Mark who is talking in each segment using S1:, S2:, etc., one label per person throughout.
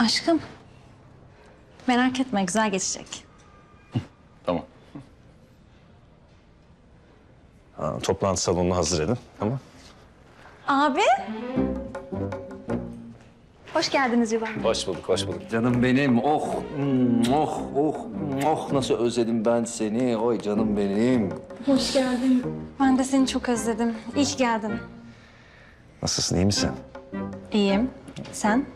S1: Aşkım, merak etme güzel geçecek.
S2: Tamam.
S3: Toplantı salonunu hazır edin, tamam?
S1: Abi. Hoş geldiniz Civan.
S3: Hoş bulduk, hoş bulduk.
S2: Canım benim, oh, nasıl özledim ben seni. Oy canım benim.
S1: Hoş geldin. Ben de seni çok özledim. İyi ki geldin.
S3: Nasılsın, iyi misin?
S1: İyiyim. Sen?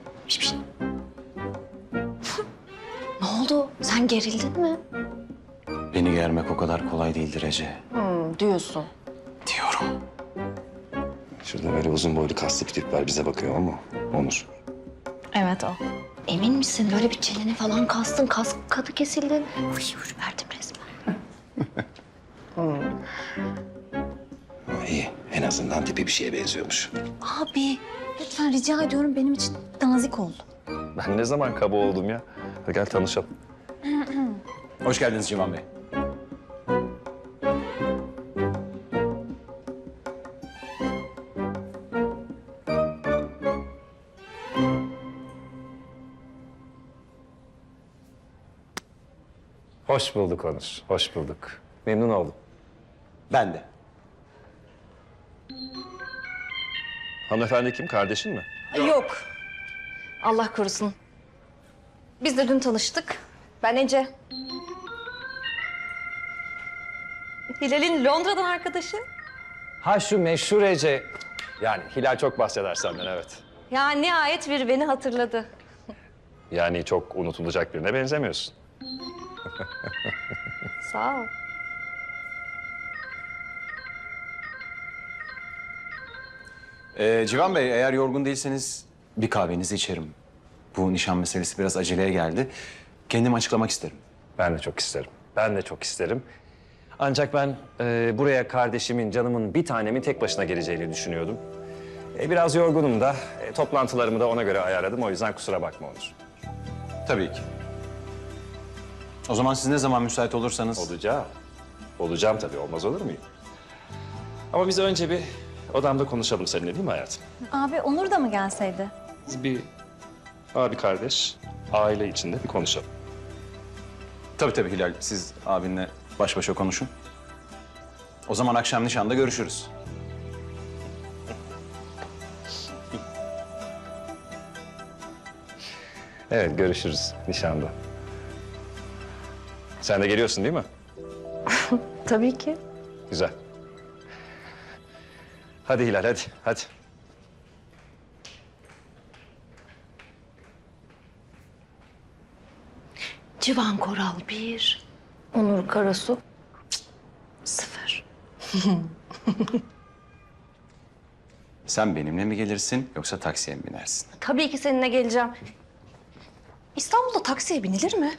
S4: Ne oldu? Sen gerildin mi?
S2: Beni germek o kadar kolay değildir Ece.
S4: Diyorsun.
S2: Diyorum.
S3: Şurada böyle uzun boylu kaslı bir tip var, bize bakıyor ama Onur.
S1: Evet o.
S4: Emin misin? Böyle bir çeneni falan kastın, kas katı kesildin. Uy, ürperdim resmen.
S3: İyi, en azından tipi bir şeye benziyormuş.
S1: Abi, lütfen rica ediyorum benim için nazik ol.
S3: Ben ne zaman kaba oldum ya? Hadi gel tanışalım.
S2: Hoş geldiniz Civan Bey.
S3: Hoş bulduk Onur, hoş bulduk. Memnun oldum.
S2: Ben de.
S3: Hanımefendi kim, kardeşin mi?
S4: Yok. Allah korusun. Biz de dün tanıştık. Ben Ece. Hilal'in Londra'dan arkadaşı.
S3: Ha şu meşhur Ece. Yani Hilal çok bahseder senden, evet.
S4: Ya nihayet biri beni hatırladı.
S3: Yani çok unutulacak birine benzemiyorsun.
S4: Sağ ol.
S2: Civan Bey, eğer yorgun değilseniz bir kahvenizi içerim. Bu nişan meselesi biraz aceleye geldi. Kendim açıklamak isterim.
S3: Ben de çok isterim. Ben de çok isterim. Ancak ben buraya kardeşimin, canımın bir tanemin tek başına geleceğini düşünüyordum. Biraz yorgunum da. Toplantılarımı da ona göre ayarladım. O yüzden kusura bakma Onur.
S2: Tabii ki. O zaman siz ne zaman müsait olursanız...
S3: Olacağım. Olacağım tabii. Olmaz olur muyum? Ama biz önce bir odamda konuşalım seninle, değil mi hayatım?
S1: Abi Onur da mı gelseydi?
S3: Biz bir abi kardeş, aile içinde bir konuşalım.
S2: Tabii Hilal, siz abinle baş başa konuşun. O zaman akşam nişanda görüşürüz.
S3: Evet, görüşürüz nişanda. Sen de geliyorsun değil mi?
S4: Tabii ki.
S3: Güzel. Hadi Hilal, hadi, hadi.
S4: Civan Koral 1, Onur Karasu 0.
S2: Sen benimle mi gelirsin yoksa taksiye mi binersin?
S4: Tabii ki seninle geleceğim. İstanbul'da taksiye binilir mi?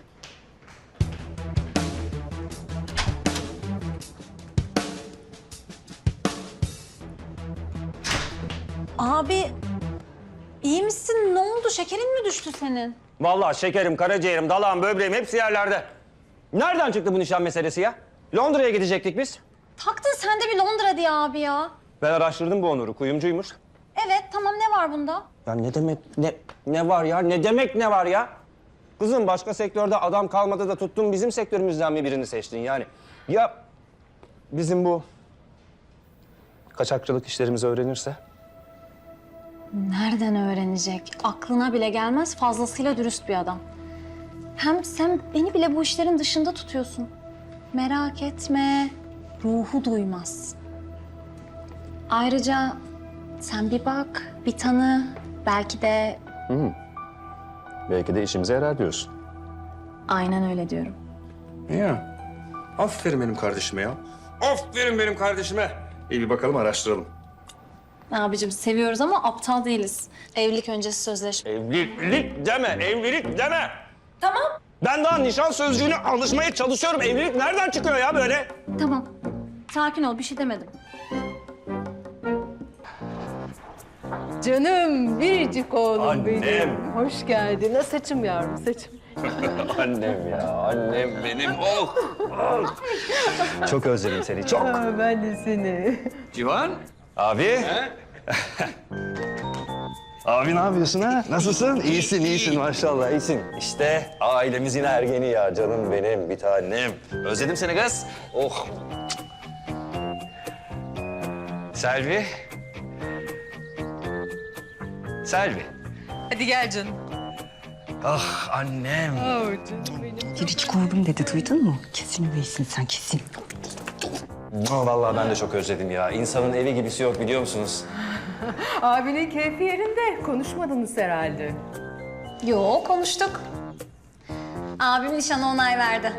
S1: Abi, iyi misin? Ne oldu? Şekerin mi düştü senin?
S5: Vallahi şekerim, karaciğerim, dalağım, böbreğim hepsi yerlerde. Nereden çıktı bu nişan meselesi ya? Londra'ya gidecektik biz.
S1: Taktın sen de bir Londra diye abi ya.
S5: Ben araştırdım bu Onur'u, kuyumcuymuş.
S1: Evet, tamam ne var bunda?
S5: Ya ne demek ne var ya? Ne demek ne var ya? Kızım başka sektörde adam kalmadı da tuttun bizim sektörümüzden mi birini seçtin yani? Ya bizim bu kaçakçılık işlerimizi öğrenirse?
S1: Nereden öğrenecek? Aklına bile gelmez, fazlasıyla dürüst bir adam. Hem sen beni bile bu işlerin dışında tutuyorsun. Merak etme, ruhu duymaz. Ayrıca sen bir bak, bir tanı, belki de
S3: Belki de işimize yarar diyorsun.
S1: aynen öyle diyorum.
S3: Ya, aferin benim kardeşime ya. Aferin benim kardeşime. İyi bir bakalım, araştıralım.
S1: Abicim seviyoruz ama aptal değiliz. Evlilik öncesi sözleşme.
S5: Evlilik deme, evlilik deme.
S1: Tamam.
S5: Ben daha nişan sözcüğüne alışmaya çalışıyorum. Evlilik nereden çıkıyor ya böyle?
S1: Tamam. Sakin ol, bir şey demedim.
S6: Canım biricik oğlum
S5: Annem.
S6: benim. Hoş geldin. Ha, saçım yavrum saçım.
S5: Annem ya, annem benim. Oh, oh. Çok özledim seni, çok.
S6: Aa, ben de seni.
S2: Civan?
S5: Abi.
S3: Abi ne yapıyorsun ha? Nasılsın? İyisin, iyisin maşallah, iyisin. İşte ailemizin ergeni ya, canım benim, bir tanem. Özledim seni kız. Oh. Selvi. Selvi.
S6: Hadi gel canım.
S3: Ah annem.
S7: Biricik oğlum dedi, duydun mu? Kesin öylesin sen, kesin.
S3: Vallahi ben de çok özledim ya. İnsanın evi gibisi yok biliyor musunuz?
S6: Abinin keyfi yerinde. Konuşmadınız herhalde.
S1: Yo, konuştuk. Abim nişana onay verdi.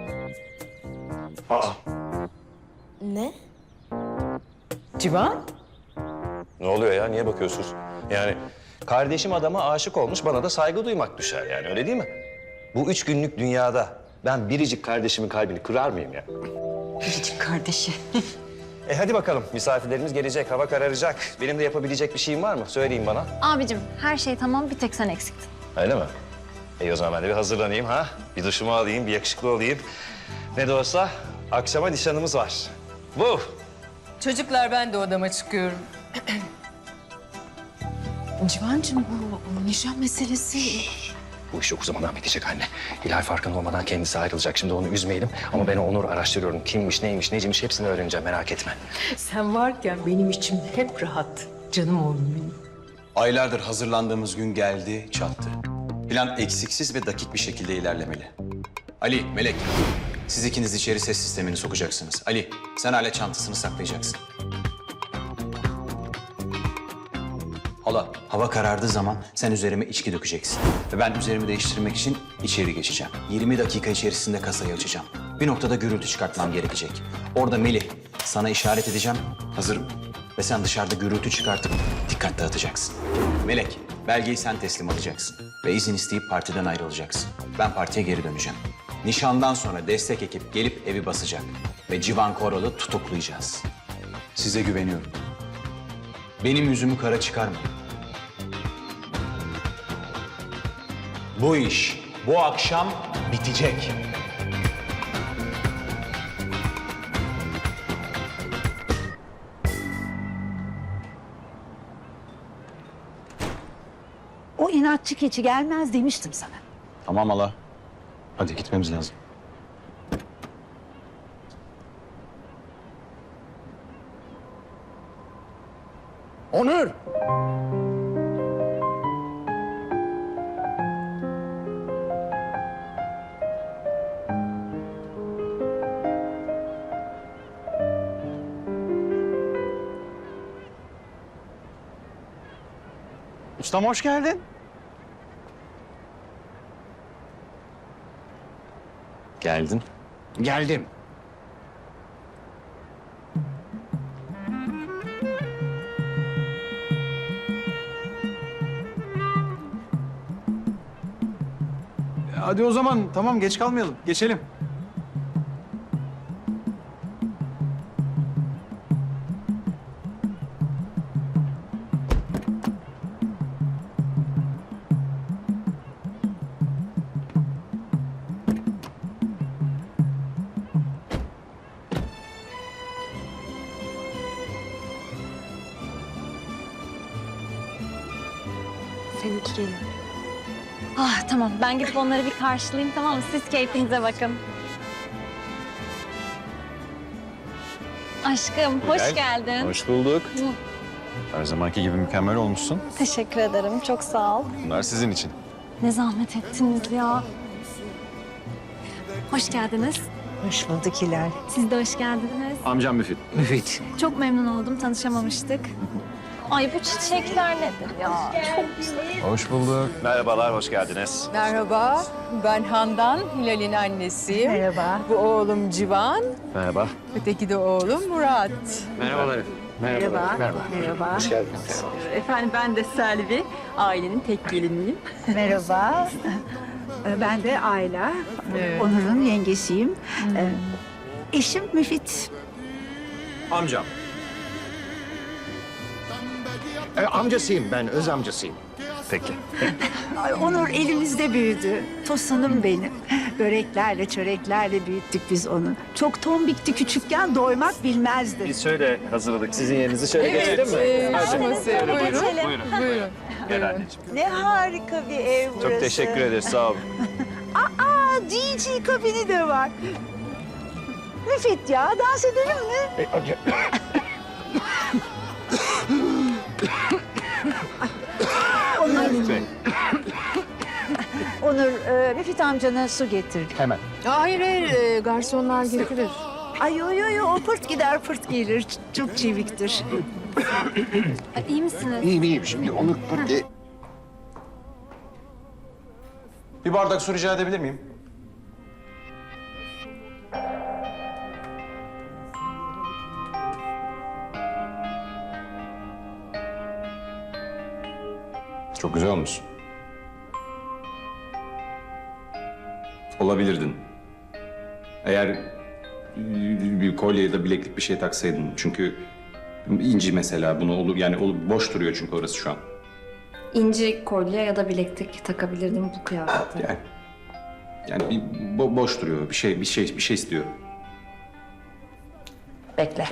S6: Civan?
S3: Ne oluyor ya? Niye bakıyorsunuz? Yani kardeşim adama aşık olmuş, bana da saygı duymak düşer yani, öyle değil mi? Bu 3 günlük dünyada ben biricik kardeşimin kalbini kırar mıyım ya?
S7: Biricik kardeşi.
S3: Hadi bakalım, misafirlerimiz gelecek, hava kararacak. Benim de yapabilecek bir şeyim var mı? Söyleyin bana.
S1: Abicim her şey tamam, bir tek sen eksiktin.
S3: Öyle mi? O zaman ben de bir hazırlanayım ha. Bir duşumu alayım, bir yakışıklı olayım. Ne de olsa akşama nişanımız var. Bu.
S6: Çocuklar ben de odama çıkıyorum.
S7: Civancığım bu nişan meselesi...
S3: Bu iş çok zamandan bitecek anne. Hilal farkında olmadan kendisi ayrılacak. Şimdi onu üzmeyelim. Ama ben o Onur'u araştırıyorum. Kimmiş, neymiş, neciymiş hepsini öğreneceğim. Merak etme.
S6: Sen varken benim içim hep rahat. Canım oğlum benim.
S2: Aylardır hazırlandığımız gün geldi, çattı. Plan eksiksiz ve dakik bir şekilde ilerlemeli. Ali, Melek, siz ikiniz içeri ses sistemini sokacaksınız. Ali, sen alet çantasını saklayacaksın. Hala, hava karardığı zaman sen üzerime içki dökeceksin. Ve ben üzerimi değiştirmek için içeri geçeceğim. 20 dakika içerisinde kasayı açacağım. Bir noktada gürültü çıkartmam gerekecek. Orada Melih, sana işaret edeceğim. Hazırım. Ve sen dışarıda gürültü çıkartıp dikkat dağıtacaksın. Melek, belgeyi sen teslim alacaksın. Ve izin isteyip partiden ayrılacaksın. Ben partiye geri döneceğim. Nişandan sonra destek ekip gelip evi basacak. Ve Civan Koral'ı tutuklayacağız. Size güveniyorum. Benim yüzümü kara çıkarmayın. Bu iş bu akşam bitecek.
S7: O inatçı keçi gelmez demiştim sana.
S2: Tamam hala. Hadi gitmemiz lazım.
S5: Onur!
S2: Ustam hoş geldin. Geldin.
S5: Geldim.
S2: Hadi o zaman tamam geç kalmayalım. Geçelim.
S7: Seninki geliyor.
S1: Ah tamam, ben gidip onları bir karşılayayım, tamam mı? Siz keyfinize bakın. Aşkım, hoş geldin.
S2: Hoş bulduk. Her zamanki gibi mükemmel olmuşsun.
S1: Teşekkür ederim, çok sağ ol.
S2: Bunlar sizin için.
S1: Ne zahmet ettiniz ya. Hoş geldiniz.
S7: Hoş bulduk Hilal.
S1: Siz de hoş geldiniz.
S2: Amcam Müfit.
S7: Müfit.
S1: Çok memnun oldum, tanışamamıştık. Ay bu çiçekler nedir ya? Çok güzel.
S2: Hoş bulduk.
S3: Merhabalar, hoş geldiniz.
S6: Merhaba, ben Handan, Hilal'in annesiyim.
S7: Merhaba.
S6: Bu oğlum Civan,
S3: Merhaba.
S6: öteki de oğlum Murat.
S3: Merhabalar.
S7: Merhaba. Merhaba.
S3: Hoş geldiniz.
S8: Efendim ben de Selvi, ailenin tek geliniyim.
S7: Merhaba. Ben de Ayla. Onur'un yengesiyim. Eşim Müfit.
S2: Amcam.
S5: Amcasıyım ben, öz amcasıyım.
S3: Peki.
S9: Ay, Onur elimizde büyüdü. Tosunum benim. Böreklerle, çöreklerle büyüttük biz onu. Çok tombikti küçükken, doymak bilmezdi.
S3: Biz şöyle hazırladık. Sizin yerinizi şöyle geçelim mi? Buyurun. Gel anneciğim.
S9: Ne harika bir ev burası.
S3: Çok teşekkür ederiz. Sağ olun.
S9: Aa, DJ kabini de var. Müfit ya, dans edelim mi? Onur, Müfit amcana su getir.
S2: Hemen.
S6: Hayır, garsonlar getirir.
S9: Ay yo, o pırt gider pırt gelir. Çok çeviktir.
S1: İyi misiniz?
S10: İyiyim. Şimdi onu...
S2: Bir bardak su rica edebilir miyim? Çok güzel olmuş. Olabilirdin. Eğer bir kolye ya da bileklik bir şey taksaydın. Çünkü inci mesela bunu olur yani boş duruyor çünkü orası şu an.
S4: İnci kolye ya da bileklik takabilirdim bu kıyafete.
S2: Yani bir boş duruyor. Bir şey istiyor.
S4: Bekle.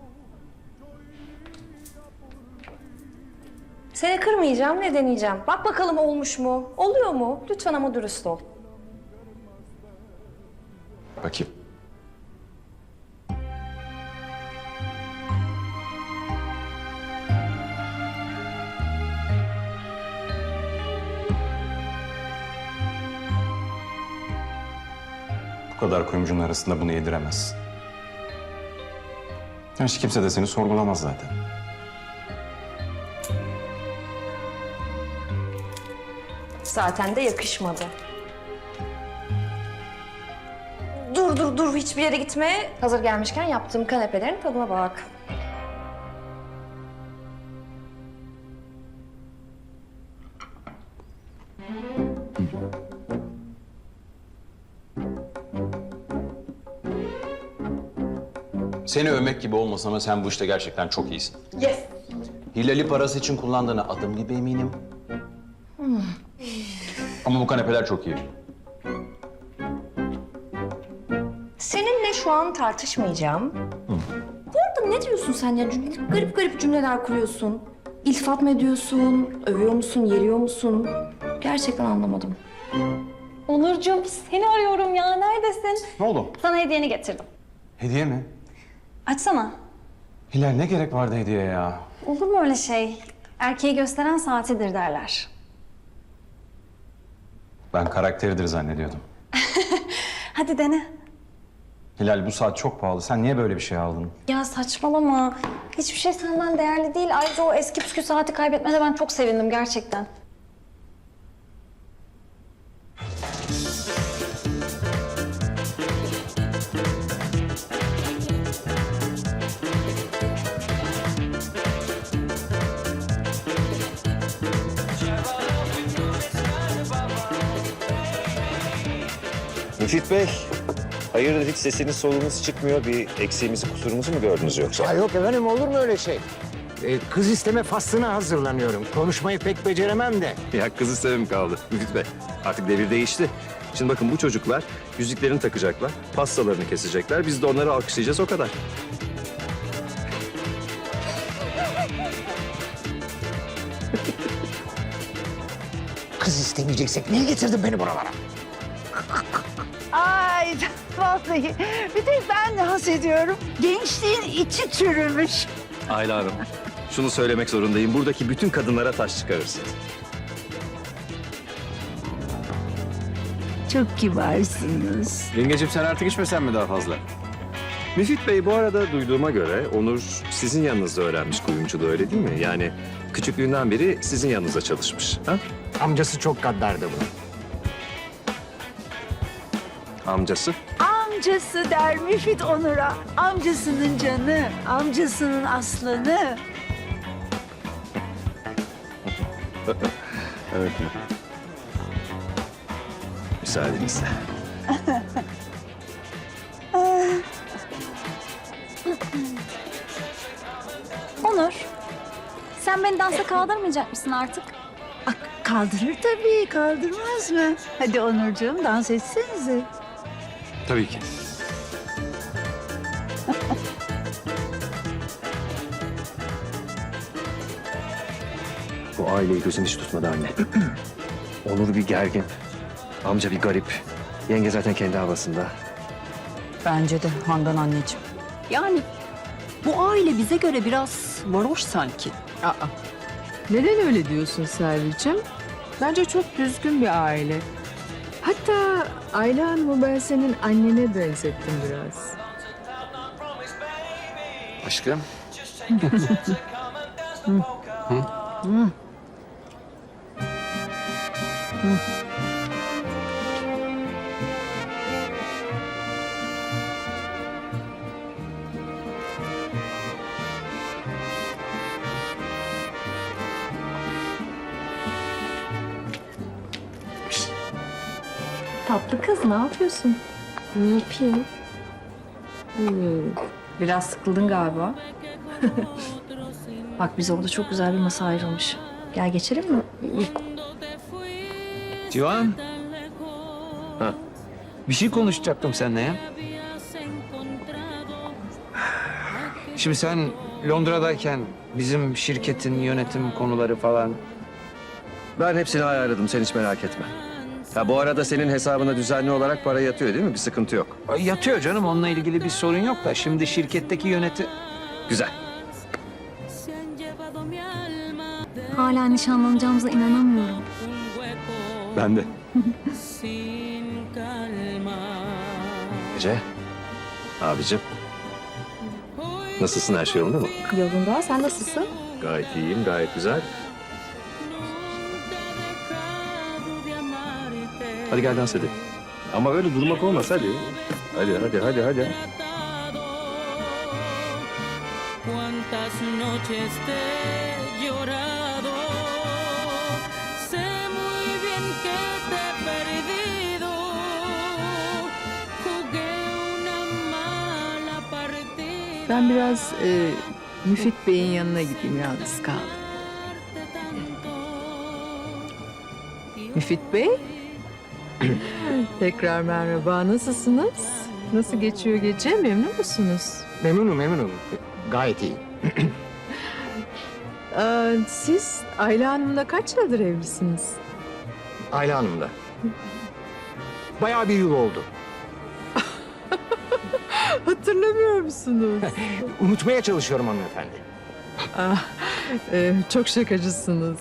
S4: Seni kırmayacağım, ne deneyeceğim. Bak bakalım olmuş mu? Oluyor mu? Lütfen ama dürüst ol.
S2: Bakayım. Bu kadar kuyumcunun arasında bunu yediremezsin. Hiç kimse de seni sorgulamaz zaten.
S4: Zaten de yakışmadı. Dur, hiçbir yere gitme. Hazır gelmişken yaptığım kanepelerin tadına bak.
S2: Seni övmek gibi olmasın ama sen bu işte gerçekten çok iyisin.
S4: Yes.
S2: Hilali parası için kullandığına adım gibi eminim. Ama bu kanepeler çok iyi.
S4: Seninle şu an tartışmayacağım. Bu arada ne diyorsun sen ya? Garip garip cümleler kuruyorsun. İltifat mı ediyorsun? Övüyor musun? Yeriyor musun? Gerçekten anlamadım.
S1: Onurcuğum seni arıyorum ya. Neredesin?
S2: Ne oldu?
S1: Sana hediyeni getirdim.
S2: Hediye mi?
S1: Açsana.
S2: Hilal ne gerek vardı hediyeye ya?
S1: Olur mu öyle şey? Erkeği gösteren saatidir derler.
S2: Ben karakteridir zannediyordum.
S1: Hadi dene.
S2: Hilal bu saat çok pahalı. Sen niye böyle bir şey aldın?
S1: Ya saçmalama. Hiçbir şey senden değerli değil. Ayrıca o eski püskü saati kaybetmene ben çok sevindim gerçekten.
S3: Müfit Bey, hayırdır hiç sesiniz solunuz çıkmıyor. Bir eksiğimizi, kusurumuzu mu gördünüz yoksa?
S10: Ya yok efendim, olur mu öyle şey? Kız isteme faslına hazırlanıyorum. Konuşmayı pek beceremem de.
S3: Ya kız istemem kaldı Müfit Bey. Artık devir değişti. Şimdi bakın bu çocuklar yüzüklerini takacaklar, pastalarını kesecekler. Biz de onları alkışlayacağız o kadar.
S10: Kız istemeyeceksek niye getirdin beni buralara?
S9: Ay vallahi bir tek ben de haz ediyorum. Gençliğin içi çürümüş.
S3: Ayla Hanım, şunu söylemek zorundayım. Buradaki bütün kadınlara taş çıkarırsınız.
S9: Çok kibarsınız.
S3: Yengeciğim sen artık içmesen mi daha fazla? Müfit Bey bu arada duyduğuma göre Onur sizin yanınızda öğrenmiş kuyumculuğu öyle değil mi? Yani küçüklüğünden beri sizin yanınızda çalışmış. Ha?
S10: Amcası çok gaddardı bunun.
S3: Amcası?
S9: Amcası der Müfit Onur'a. Amcasının canı, amcasının aslanı.
S3: Evet. Müsaadenizle.
S1: Onur, sen beni dansa kaldırmayacak mısın artık?
S9: kaldırır tabii, kaldırmaz mı? Hadi Onurcuğum, dans etsenize.
S3: Tabii ki. Bu aileyi gözüm hiç tutmadı anne. Onur bir gergin. Amca bir garip. Yenge zaten kendi havasında.
S7: Bence de Handan anneciğim. Yani bu aile bize göre biraz varoş sanki.
S6: Aa, neden öyle diyorsun Selvi'cim? Bence çok düzgün bir aile. Hatta Ayla Hanım'ı ben senin annene benzettim biraz.
S3: Aşkım.
S4: Tatlı kız ne yapıyorsun?
S8: Ne yapayım? Biraz sıkıldın galiba.
S4: Bak bize orada çok güzel bir masa ayrılmış. Gel geçelim mi?
S10: Civan. Bir şey konuşacaktım seninle ya. Şimdi sen Londra'dayken bizim şirketin yönetim konuları falan...
S3: Ben hepsini ayarladım, sen hiç merak etme. Ha, bu arada senin hesabına düzenli olarak para yatıyor değil mi? Bir sıkıntı yok.
S10: Yatıyor canım, onunla ilgili bir sorun yok da şimdi şirketteki
S3: Güzel.
S1: Hala nişanlanacağımıza inanamıyorum.
S3: Ben de. Ece, abicim. Nasılsın, her şey yolunda mı?
S4: Yolunda. Sen nasılsın?
S3: Gayet iyiyim, gayet güzel. Hadi gel dans edelim. Ama öyle durmak olmaz, hadi. Hadi.
S11: Cuántas noches te he llorado, sé muy bien que te he perdido, jugué una mala partida.
S6: Ben biraz Müfit Bey'in yanına gideyim, yalnız kaldım. Müfit Bey? Tekrar merhaba, nasılsınız? Nasıl geçiyor gece, memnun musunuz?
S10: Memnunum. Gayet iyi.
S6: Siz Ayla Hanım'la kaç yıldır evlisiniz?
S10: Ayla Hanım'da. Bayağı bir yıl oldu.
S6: Hatırlamıyor musunuz?
S10: Unutmaya çalışıyorum hanımefendi.
S6: Çok şakacısınız.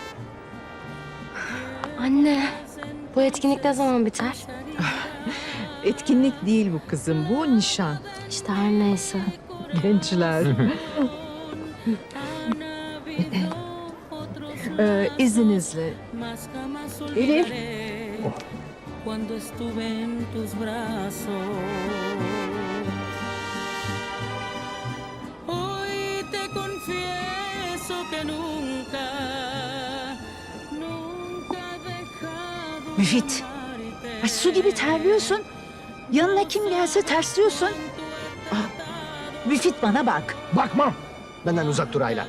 S8: Anne, bu etkinlik ne zaman biter?
S6: Etkinlik değil bu kızım, bu nişan.
S8: İşte her neyse.
S6: Gençler. İzninizle. Elif.
S11: Cuando estuve en tus brazos. Hoy te confieso que nunca dejado.
S9: Müfit, ay su gibi terliyorsun. Yanına kim gelse tersliyorsun. Ah, Müfit bana bak.
S10: Bakmam. Benden uzak dur Ayla.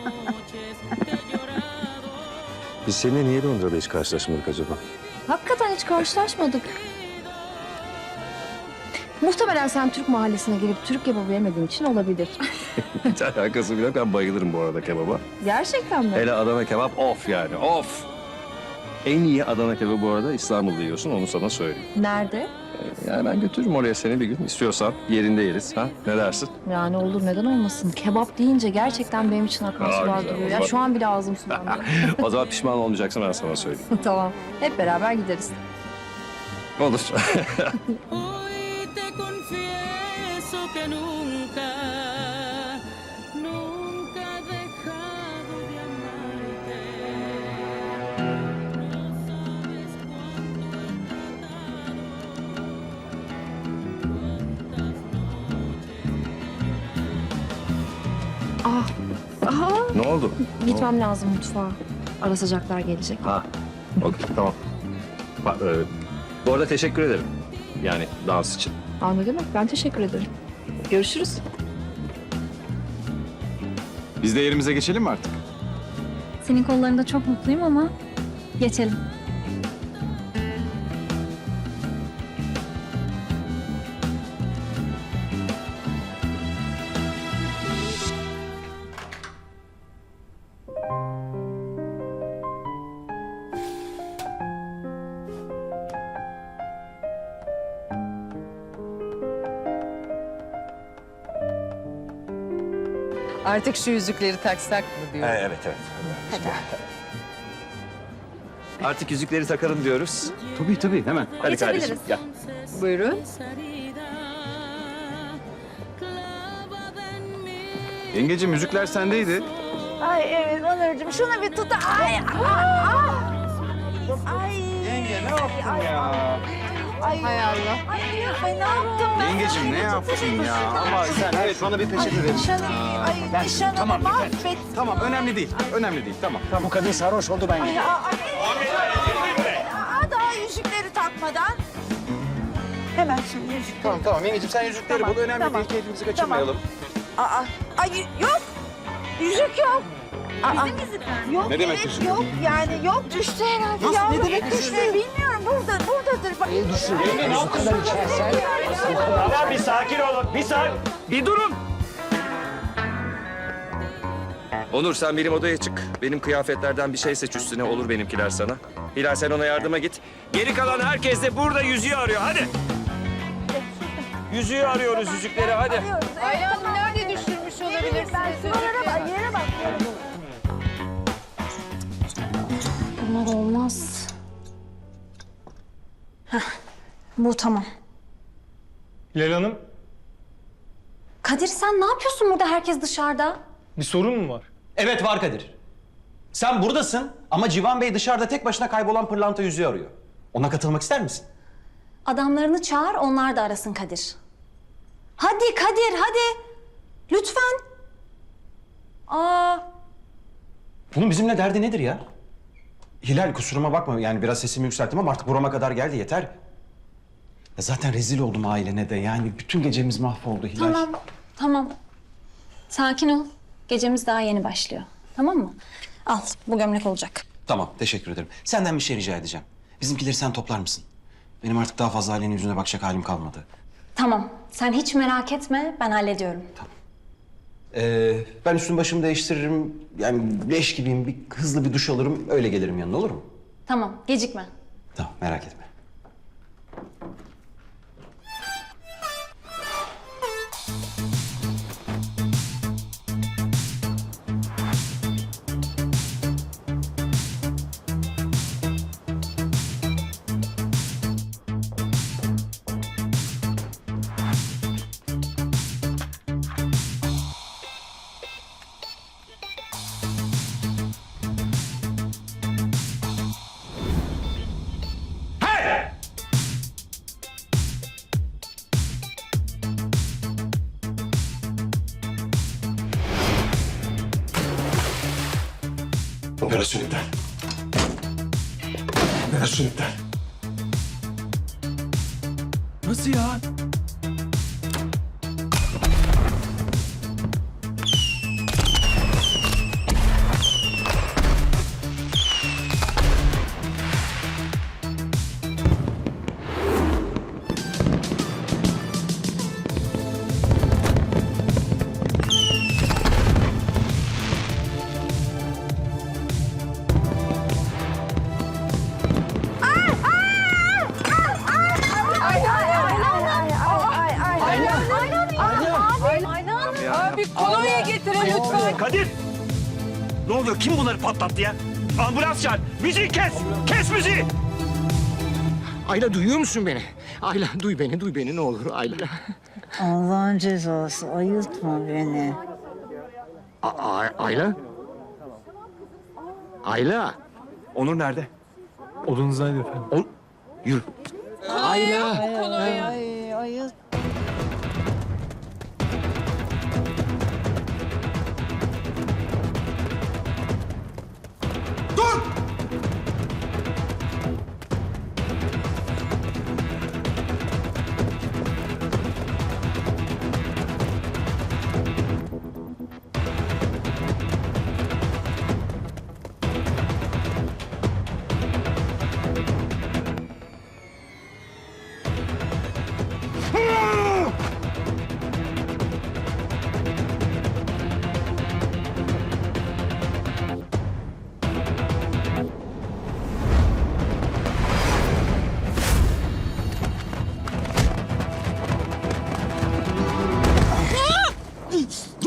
S3: Biz seninle niye Londra'da hiç karşılaşmadık acaba?
S4: Hakikaten hiç karşılaşmadık. Muhtemelen sen Türk mahallesine gelip Türk kebabı yemediğin için olabilir.
S3: Hiç alakası bile yok. Ben bayılırım bu arada kebaba.
S4: Gerçekten mi?
S3: Hele Adana kebap of yani, of! En iyi Adana kebabı bu arada İstanbul'da yiyorsun, onu sana söyleyeyim.
S4: Nerede?
S3: Yani ben götürürüm oraya seni bir gün. İstiyorsan yerinde yeriz. Ha? Ne dersin?
S4: Yani olur, neden olmasın? Kebap deyince gerçekten benim için akan
S3: Aa,
S4: sular
S3: güzel,
S4: duruyor.
S3: o
S4: Ya
S3: zaman-
S4: şu an bile ağzım sulandı.
S3: O zaman pişman olmayacaksın, ben sana söyleyeyim.
S4: Tamam. Hep beraber gideriz.
S3: Olur.
S11: Hoy te confieso que nunca dejado de amarte. No sabes cuánto he tratado.
S3: Ne oldu?
S4: Gitmem lazım mutfağa. Ara sıcaklar gelecek.
S3: Ha, okey, tamam. Bu arada teşekkür ederim. Yani dans için.
S4: Aa, ne demek? Ben teşekkür ederim. Görüşürüz.
S12: Biz de yerimize geçelim mi artık?
S1: Senin kollarında çok mutluyum ama Geçelim.
S6: Artık şu yüzükleri taksak mı diyor.
S3: Evet. Artık yüzükleri takalım diyoruz.
S2: Tabii hemen.
S3: Hadi kardeşim gel.
S6: Buyurun.
S2: Yengeciğim yüzükler sendeydi.
S9: Ay evet Onurcuğum şunu bir tut. Ay.
S2: Yenge ne yaptın ya?
S6: Hay Allah.
S9: Ay ne yaptım ben?
S2: Yengeciğim ne yaptın ya? Ama sen evet bana bir peçete verin.
S9: Nişanımı mahvet.
S2: Tamam önemli değil. Önemli değil tamam.
S10: Bu kadın sarhoş oldu ben.
S9: Daha yüzükleri takmadan. Hemen şimdi yüzük.
S2: Tamam yengeciğim sen yüzükleri bul. Önemli değil keyfimizi kaçırmayalım.
S9: Ay yok. Yüzük yok. Bizim yüzükler yok.
S2: Ne demek
S9: evet,
S2: yüzük?
S9: yok yani yok düştü herhalde.
S2: Nasıl,
S9: ya.
S2: ne demek düştü?
S9: Bilmiyorum buradadır. Bak.
S10: Bu kadar içersen.
S3: Tamam bir sakin olun. Bir durun. Onur sen benim odaya çık. Benim kıyafetlerden bir şey seç üstüne olur benimkiler sana. Hilal sen ona yardıma git. Geri kalan herkes de burada yüzüğü arıyor hadi. Yüzüğü arıyoruz yüzükleri hadi.
S6: Ayla Hanım nerede düşürmüş olabilirsiniz?
S9: Yere bak.
S1: Bunlar olmaz. Heh, bu tamam.
S12: Hilal Hanım,
S1: Kadir sen ne yapıyorsun burada, herkes dışarıda?
S12: bir sorun mu var?
S2: Evet var Kadir. Sen buradasın ama Civan Bey dışarıda tek başına kaybolan pırlanta yüzüğü arıyor. Ona katılmak ister misin?
S1: Adamlarını çağır, onlar da arasın Kadir. Hadi Kadir, hadi. Lütfen.
S2: Bunun bizimle derdi nedir ya? Hilal kusuruma bakma yani biraz sesimi yükselttim ama artık burama kadar geldi yeter. Ya zaten rezil oldum ailene de yani bütün gecemiz mahvoldu Hilal.
S1: Tamam. Sakin ol. Gecemiz daha yeni başlıyor. Tamam mı? Al, bu gömlek olacak.
S2: Tamam teşekkür ederim. Senden bir şey rica edeceğim. Bizimkileri sen toplar mısın? Benim artık daha fazla ailenin yüzüne bakacak halim kalmadı.
S1: Tamam, sen hiç merak etme, ben hallediyorum.
S2: Ben üstüm başımı değiştiririm. Yani leş gibiyim. Hızlı bir duş alırım. Öyle gelirim yanına olur mu?
S1: Tamam, gecikme.
S2: Tamam merak etme. Operasyon iptal. Operasyon iptal. Nasıl ya?
S6: Abi kolonya getirin lütfen.
S3: Kadir! Ne oluyor? Kim bunları patlattı ya? Ambulans çağır. Müziği kes! Kes müziği!
S10: Ayla duyuyor musun beni? Ayla duy beni ne olur Ayla.
S9: Allah'ın cezası ayıltma beni.
S10: Ayla? Ayla?
S3: Onur nerede?
S12: Odanızdaydı efendim.
S10: Yürü. Ayla.
S9: Ay ayılt.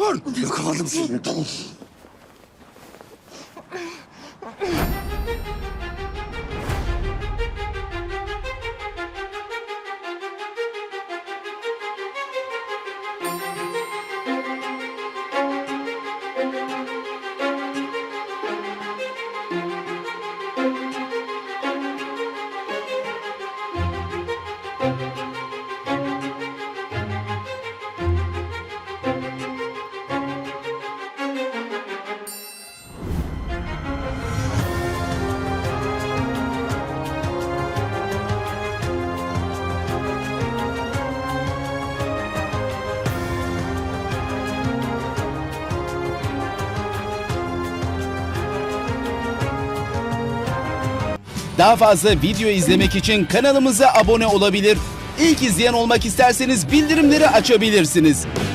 S13: Dur! Yakaladım seni. Dur.
S14: Daha fazla video izlemek için kanalımıza abone olabilir. İlk izleyen olmak isterseniz bildirimleri açabilirsiniz.